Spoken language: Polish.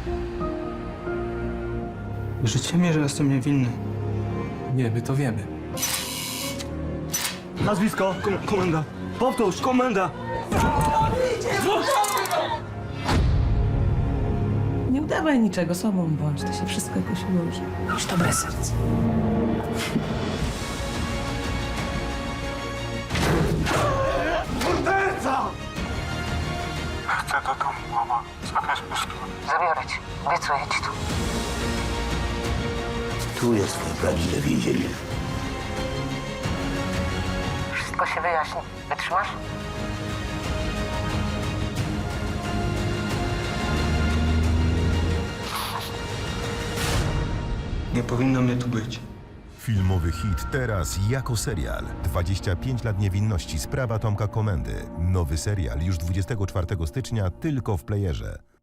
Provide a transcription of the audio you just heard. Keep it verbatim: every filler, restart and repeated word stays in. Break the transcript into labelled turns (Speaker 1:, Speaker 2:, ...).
Speaker 1: Wierzycie mi, że jestem niewinny?
Speaker 2: Nie, my to wiemy.
Speaker 3: Nazwisko? Kom komenda. Powtórz, komenda.
Speaker 4: Nie udawaj niczego, sobą bądź, to się wszystko jakoś ułoży. Już dobre serce.
Speaker 3: Morderca!
Speaker 5: Chcę do domu, mama. Jakaś pustynia.
Speaker 6: Zabiorę cię. Obiecuję ci to.
Speaker 7: Tu jest twoje prawdziwe więzienie.
Speaker 6: Wszystko się wyjaśni. Wytrzymasz?
Speaker 1: Nie powinno mnie tu być.
Speaker 8: Filmowy hit teraz jako serial. dwadzieścia pięć lat niewinności. Sprawa Tomka Komendy. Nowy serial już dwudziestego czwartego stycznia tylko w playerze.